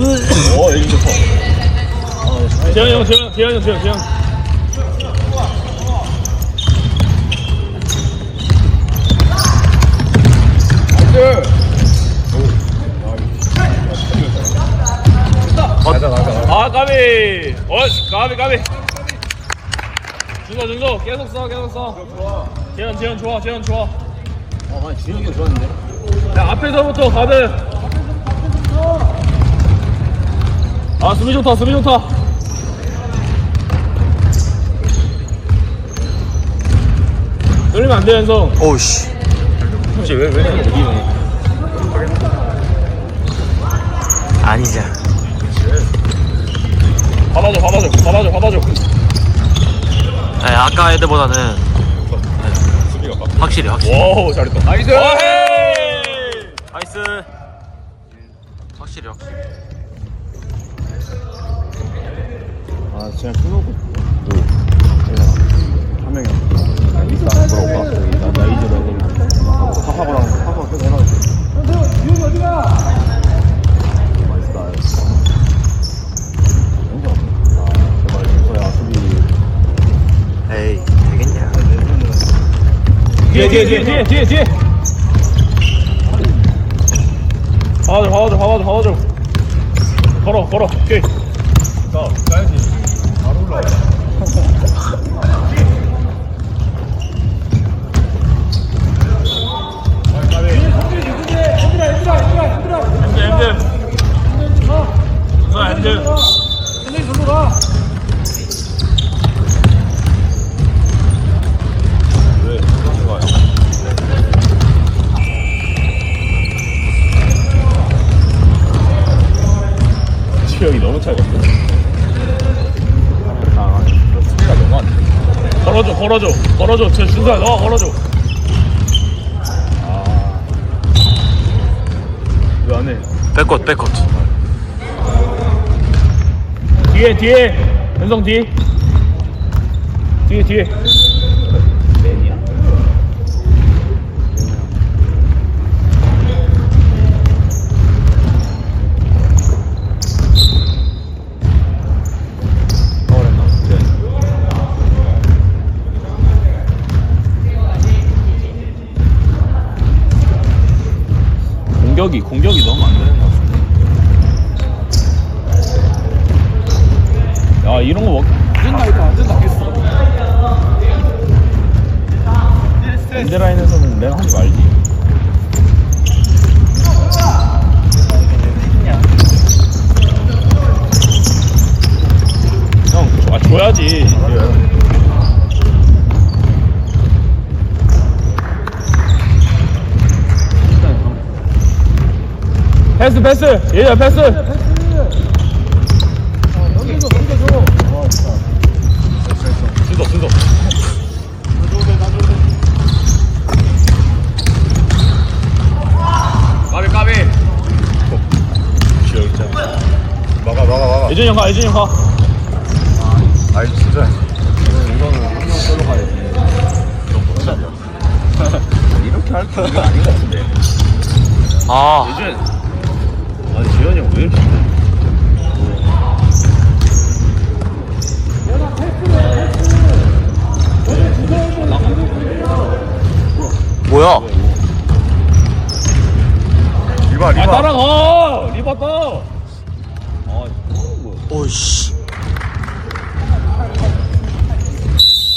애기 좋다. 재현이 형. 아, 까비. 까비. 준서 계속 써. 재현 좋아. 진혁이가 좋았는데. 야, 앞에서부터 가드. 아, 수비 좋다. 떨리면 안 돼, 현성. 오우씨. 혹시 왜 이기네? 아니자. 받아줘. 네, 아까 애들보다는 확실히. 와우, 잘했다. 나이스. 나이스. 확실히. 아, 그냥 끊어고. 한 명이 이따 물어볼까? 저기 나 이즈로 애들 하하고랑 계속 해놔. 유이 어디가? 맛있다. 제발 준서야 수비. 에이, 되겠냐. 뒤에. 받아줘. 걸어. 오케이. 가야지. 바로 올라와. 핸들. 체력이 너무 차겠어. 수비가 너무 안 돼. 걸어줘. 준서야, 너 걸어줘. 왜 안 해? 백컷. 뒤에. 현성 뒤에. 맨이야? 공격이 너무 안 되는 것 같은데. 야, 이런 거 안 된다 했어. 엔드라인에서는 내가 하지 말지. 형, 줘야지. 패스. 얘야, 패스. 준서. 까비. 지역 있잖아. 막아. 예준이 형 가. 아이 진짜. 이거는 한 명 끌러 가야지. 이렇게 할 거 아닌 것 같은데. 아, 아니 재현이 형 왜 이렇게? 뭐야? 리바. 따라가. 리바 따. 오이씨.